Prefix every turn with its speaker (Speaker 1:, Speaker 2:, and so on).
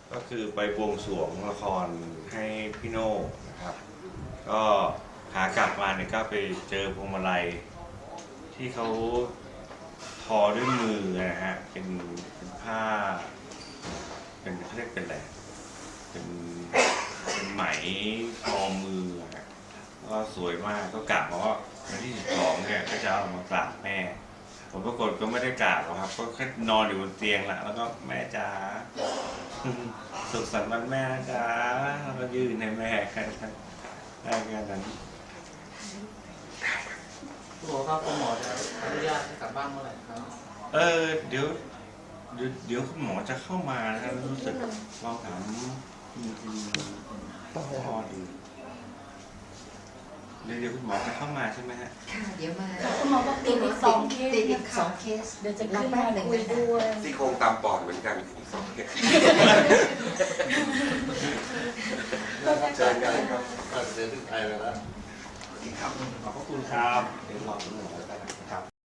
Speaker 1: ก็คือไปบวงสรวงละครให้พี่โน่นะครับ ก็หากลับมาเนี่ยก็ไปเจอพวงมาลัยที่เขาทอด้วยมือนะฮะเป็นผ้าเป็นเขาเรียกเป็นอะไรเป็นไหมทอมือฮะก็สวยมากก็กะว่าวันที่12เนี่ยก็จะเอามากราบแม่ผมปรากฏก็ไม่ได้กราบหรอกครับก็แค่นอนอยู่บนเตียงแหละแล้วก็แม่จ๋าสุขสันต์วันแม่นะจ๊ะแล้วก็ยื่นให้แม่แค่นั้นได้แค่นั้น
Speaker 2: คุณหมอครับคุณหมอจะอนุญาตให้กลับบ้านเมื่อไหร่ครับ
Speaker 1: เดี๋ยวคุณหมอจะเข้ามานะครับรู้สึกลองถามคุณพ่อดูเดี๋ยวคุณหมอจะเข้ามาใช่ไหมฮะ
Speaker 3: ค่ะเดี๋ยวมา
Speaker 4: คุณหมอบอกติดอีก2 เคส
Speaker 3: ติดอีก
Speaker 4: นะคะ
Speaker 3: 2 เคส
Speaker 4: เดี๋ยวจะขึ้นมาคุยด้วย
Speaker 5: ซี่โครงตามปอดเหมือนกันอีก2 เคสเชิญกันครับก็เดินถึงไทยแล้ว
Speaker 1: ขอบพระคุณครับเดี๋ยวรอคุณหมอแล้วกันนะครับ